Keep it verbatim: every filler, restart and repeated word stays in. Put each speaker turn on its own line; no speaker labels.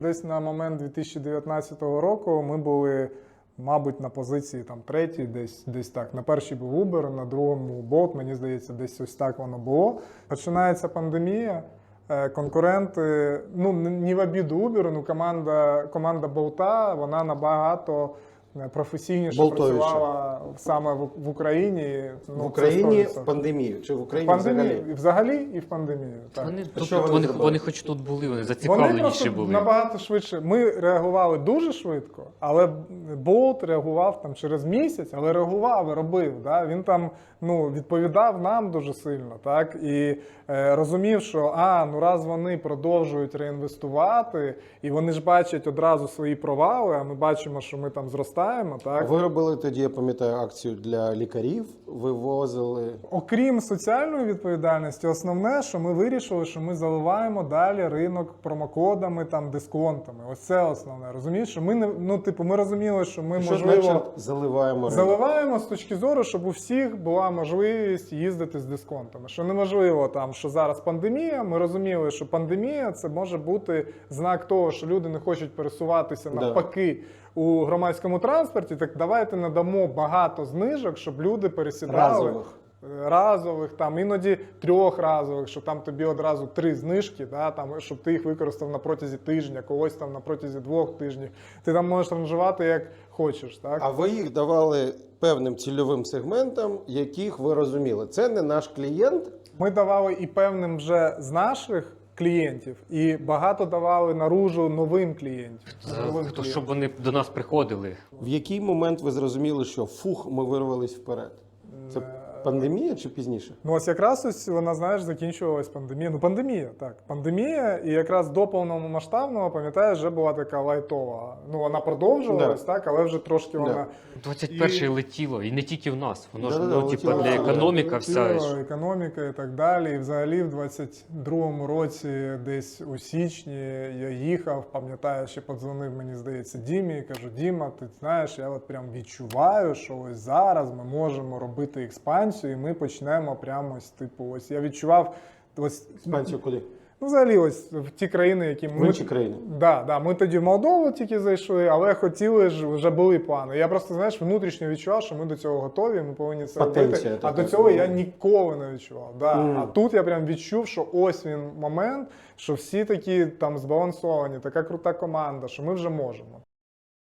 Десь на момент дві тисячі дев'ятнадцятого року ми були, мабуть, на позиції там третій, десь, десь так. На першій був Uber, на другому Bolt, мені здається, десь ось так воно було. Починається пандемія, конкуренти, ну, не в обіду Uber, ну, команда, команда Bolt, вона набагато професійніше
Болтовіше.
працювала саме в, в Україні. Ну,
в Україні
в
пандемію? Чи в Україні
пандемії,
взагалі?
Взагалі і в пандемію. Так.
Вони,
А
тут,
що вони
вони,
зробили?
вони хоч тут були, вони
Вони
зацікавленіші
просто
були.
набагато швидше. Ми реагували дуже швидко, але Болт реагував там через місяць, але реагував і робив. Да? Він там ну, відповідав нам дуже сильно, так? І е, розумів, що а, ну раз вони продовжують реінвестувати, і вони ж бачать одразу свої провали, а ми бачимо, що ми там зростаємо. Так?
Ви робили тоді, я пам'ятаю, акцію для лікарів, вивозили.
Окрім соціальної відповідальності, основне, що ми вирішили, що ми заливаємо далі ринок промокодами, там, дисконтами. Ось це основне. Розумієш, що ми не ну, типу, ми розуміли, що ми
Що
можливо
значить заливаємо ринок?
заливаємо з точки зору, щоб у всіх була можливість їздити з дисконтами. Що неможливо там, що зараз пандемія. Ми розуміли, що пандемія це може бути знак того, що люди не хочуть пересуватися
Да.
навпаки у громадському транспорті. Так давайте надамо багато знижок, щоб люди пересідали.
Разових.
Разових, там іноді трьохразових, що там тобі одразу три знижки, да, там, щоб ти їх використав на протязі тижня, когось там на протязі двох тижнів. Ти там можеш ранжувати як хочеш. Так?
А ви їх давали певним цільовим сегментам, яких ви розуміли. Це не наш клієнт.
Ми давали і певним вже з наших клієнтів, і багато давали наружу новим клієнтів.
За-
Новим
то,
клієнтам.
щоб вони до нас приходили.
В який момент ви зрозуміли, що фух, ми вирвались вперед? Це пандемія чи пізніше?
Ну ось якраз ось вона, знаєш, закінчувалась пандемія. Ну пандемія, так. Пандемія, і якраз до повномасштабного, пам'ятаєш, вже була така лайтова. Ну вона продовжувалась,
Да.
так, але вже трошки
Да.
вона...
двадцять перше
І-
летіло, і не тільки в нас. Воно ж
Да-да-да,
ну, типу,
летіло.
для економіка вся.
Летіло,
ж.
економіка і так далі. І взагалі в двадцять другому році, десь у січні, я їхав, пам'ятаю, ще подзвонив, мені здається, Дімі, і кажу: Діма, ти знаєш, я от прям відчуваю, що ось зараз ми можемо робити експансію, і ми почнемо прямо ось, типу, ось я відчував ось
Експансію куди?
ну, взагалі, ось в ті країни, які
В
ми
інші країни?
Да, да, ми тоді в Молдову тільки зайшли, але хотіли ж, вже були плани. Я просто, знаєш, внутрішньо відчував, що ми до цього готові, ми повинні це
Потенція
робити. А
така.
до цього я ніколи не відчував. Да.
Мгм.
А тут я прям відчув, що ось він момент, що всі такі там збалансовані, така крута команда, що ми вже можемо.